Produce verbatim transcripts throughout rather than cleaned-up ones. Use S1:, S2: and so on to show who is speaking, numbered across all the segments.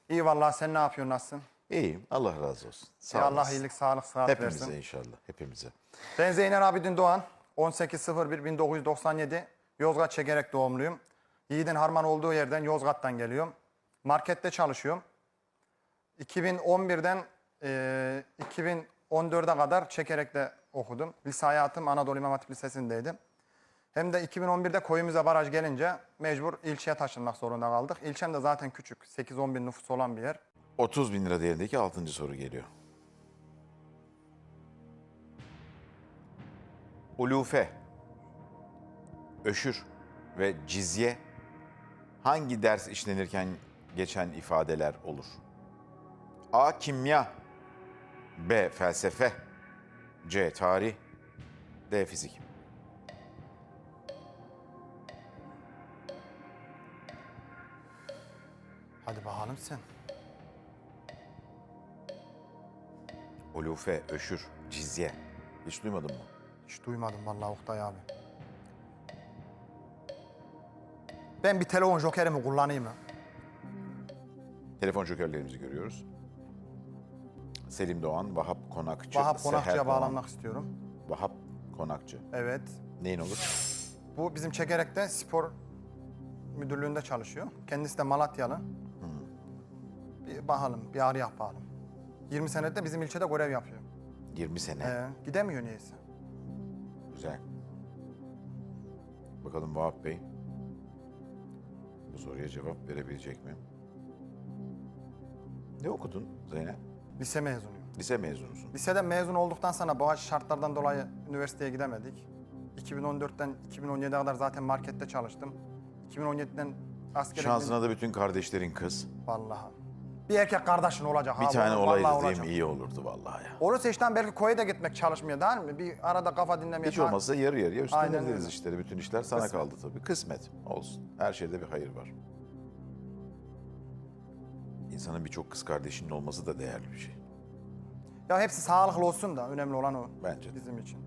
S1: İyi vallahi, sen ne yapıyorsun, nasılsın?
S2: İyiyim. Allah razı olsun. Sağ
S1: Ya Allah
S2: olasın.
S1: iyilik, sağlık, sıhhat
S2: Hepimize
S1: versin.
S2: inşallah. Hepimize.
S1: Ben Zeynel Abidin Doğan. on sekiz bir bin dokuz yüz doksan yedi Yozgat Çekerek doğumluyum. Yiğidin harman olduğu yerden, Yozgat'tan geliyorum. Markette çalışıyorum. iki bin on birden e, iki bin on dörde kadar Çekerek'te okudum. Lise hayatım Anadolu İmam Hatip Lisesi'ndeydi. Hem de iki bin on birde Koyumuza baraj gelince mecbur ilçeye taşınmak zorunda kaldık. İlçem de zaten küçük, sekiz on bin nüfus olan bir yer.
S2: otuz bin lira değerindeki altıncı soru geliyor. Ulufe, öşür ve cizye hangi ders işlenirken geçen ifadeler olur? A. Kimya, B. Felsefe, C. Tarih, D. Fizik.
S1: Hadi bakalım sen.
S2: Ulufe, öşür, cizye. Hiç duymadın mı?
S1: Hiç duymadım vallahi Oktay abi. Ben bir telefon jokerimi kullanayım mı?
S2: Telefon jokerlerimizi görüyoruz. Selim Doğan, Vahap Konakçı,
S1: Vahap
S2: Seher
S1: Konakçı'ya
S2: Doğan.
S1: bağlanmak istiyorum.
S2: Vahap Konakçı.
S1: Evet.
S2: Neyin olur?
S1: Bu bizim Çekerek'te spor müdürlüğünde çalışıyor. Kendisi de Malatyalı. Bir bakalım, bir arayak bakalım. yirmi senedir de bizim ilçede görev yapıyor.
S2: yirmi sene.
S1: Ee, gidemiyor niyeyse.
S2: Güzel. Bakalım Vahap Bey bu soruya cevap verebilecek mi? Ne okudun Zeynep?
S1: Lise mezunuyum.
S2: Lise mezunusun.
S1: Liseden mezun olduktan sonra bazı şartlardan dolayı üniversiteye gidemedik. iki bin on dörtten iki bin on yediye kadar zaten markette çalıştım. iki bin on yediden askere
S2: Şansına da bütün kardeşlerin kız.
S1: gittim. Vallahi. Bir erkek kardeşin olacak.
S2: Bir
S1: ha,
S2: tane
S1: vallahi
S2: olaydı değil
S1: olacak.
S2: mi? İyi olurdu vallahi ya.
S1: Olursa işten belki koya da gitmek çalışmıyor değil mi? Bir arada kafa dinlemeye...
S2: Hiç olmazsa yarı yarıya
S1: Aynen
S2: üstleniriz
S1: öyle.
S2: işleri. Bütün işler sana
S1: Kısmet.
S2: kaldı tabii. Kısmet olsun. Her şeyde bir hayır var. İnsanın birçok kız kardeşinin olması da değerli bir şey.
S1: Ya hepsi sağlıklı olsun da önemli olan o.
S2: Bence de.
S1: Bizim için.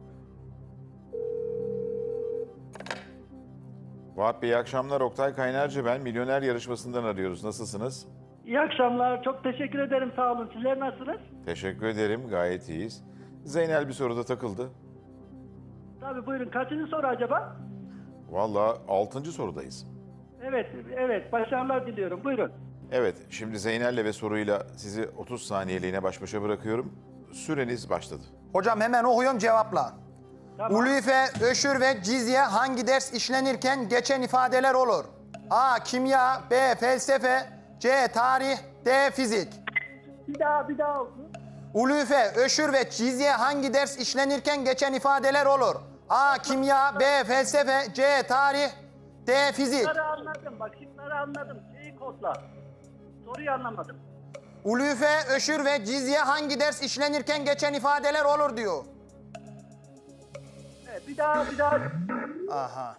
S2: Vahap Bey iyi akşamlar. Oktay Kaynarca ben. Milyoner yarışmasından arıyoruz. Nasılsınız?
S3: İyi akşamlar. Çok teşekkür ederim. Sağ olun. Sizler nasılsınız?
S2: Teşekkür ederim. Gayet iyiyiz. Zeynel bir soruda takıldı.
S3: Tabii buyurun. Kaçıncı soru acaba?
S2: Vallahi altıncı sorudayız.
S3: Evet, evet. Başarılar diliyorum. Buyurun.
S2: Evet, şimdi Zeynel'le ve soruyla sizi otuz saniyeliğine baş başa bırakıyorum. Süreniz başladı.
S1: Hocam hemen okuyorum, cevapla.
S3: Tamam.
S1: Ulufe, öşür ve cizye hangi ders işlenirken geçen ifadeler olur? A. Kimya, B. Felsefe, C. Tarih, D. Fizik.
S3: Bir daha, bir daha olsun.
S1: Ulufe, öşür ve cizye hangi ders işlenirken geçen ifadeler olur? A. Kimya, B. Felsefe, C. Tarih, D. Fizik.
S3: Şıkları anladım. Bak şıkları anladım. Şeyi kodla. Soruyu anlamadım.
S1: Ulufe, öşür ve cizye hangi ders işlenirken geçen ifadeler olur diyor.
S3: Evet, bir daha, bir daha.
S1: Aha.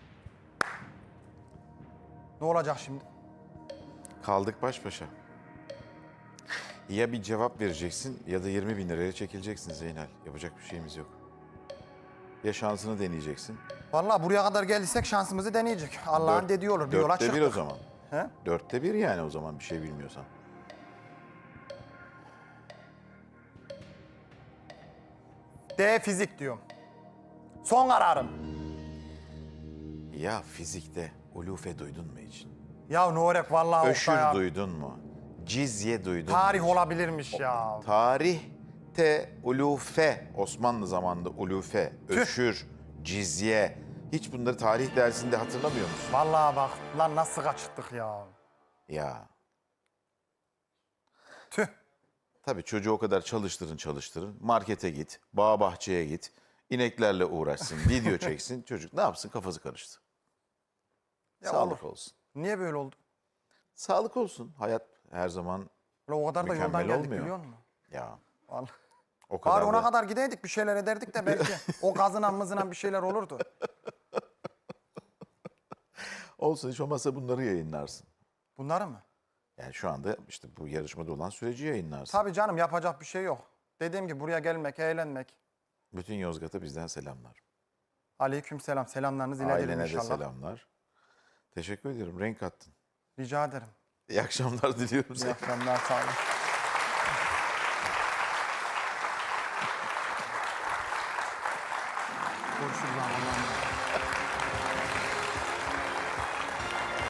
S1: Ne olacak şimdi?
S2: Kaldık baş başa. Ya bir cevap vereceksin ya da yirmi bin liraya çekileceksin Zeynel. Yapacak bir şeyimiz yok. Ya şansını deneyeceksin.
S1: Vallahi buraya kadar geldiysek şansımızı deneyecek. Allah'ın
S2: Dört-
S1: dediği olur. Bir yola
S2: Dörtte
S1: çıktık.
S2: bir o zaman.
S1: He?
S2: Dörtte bir yani o zaman bir şey bilmiyorsan.
S1: D. Fizik diyorum. Son kararım.
S2: Ya fizikte ulufe duydun mu hiç?
S1: Ya Nurek vallahi
S2: Öşür
S1: Oktay abi.
S2: duydun mu? Cizye duydun
S1: Tarih
S2: mu hiç?
S1: olabilirmiş ya.
S2: Tarihte ulufe, Osmanlı zamanında ulufe,
S1: Tüh.
S2: öşür, cizye. Hiç bunları tarih dersinde hatırlamıyor musun?
S1: Vallahi bak lan nasıl kaçırttık ya.
S2: Ya
S1: Tüh.
S2: tabii çocuğu o kadar çalıştırın çalıştırın. Markete git, bağ bahçeye git. İneklerle uğraşsın, video çeksin. Çocuk ne yapsın kafası karıştı.
S1: Ya
S2: Sağlık
S1: olur.
S2: olsun.
S1: Niye böyle oldu?
S2: Sağlık olsun. Hayat her zaman
S1: Ulan o kadar da
S2: Mükemmel
S1: yoldan geldik
S2: olmuyor.
S1: biliyor musun?
S2: ya
S1: Vallahi.
S2: o kadar
S1: Bari ona
S2: da-
S1: kadar gideydik bir şeyler ederdik de belki o gazınan mızınan bir şeyler olurdu.
S2: olsun hiç olmazsa bunları yayınlarsın.
S1: Bunları mı?
S2: Yani şu anda işte bu yarışmada olan süreci yayınlarsın.
S1: Tabii canım, yapacak bir şey yok. Dediğim gibi buraya gelmek, eğlenmek.
S2: Bütün Yozgat'a bizden selamlar.
S1: Aleykümselam. Selamlarınızı iletelim
S2: Ailene de
S1: inşallah.
S2: selamlar. Teşekkür ediyorum. Renk kattın.
S1: Rica ederim.
S2: İyi akşamlar diliyorum
S1: İyi
S2: size.
S1: akşamlar. Sağ olun. Görüşürüz. Allah'a emanet.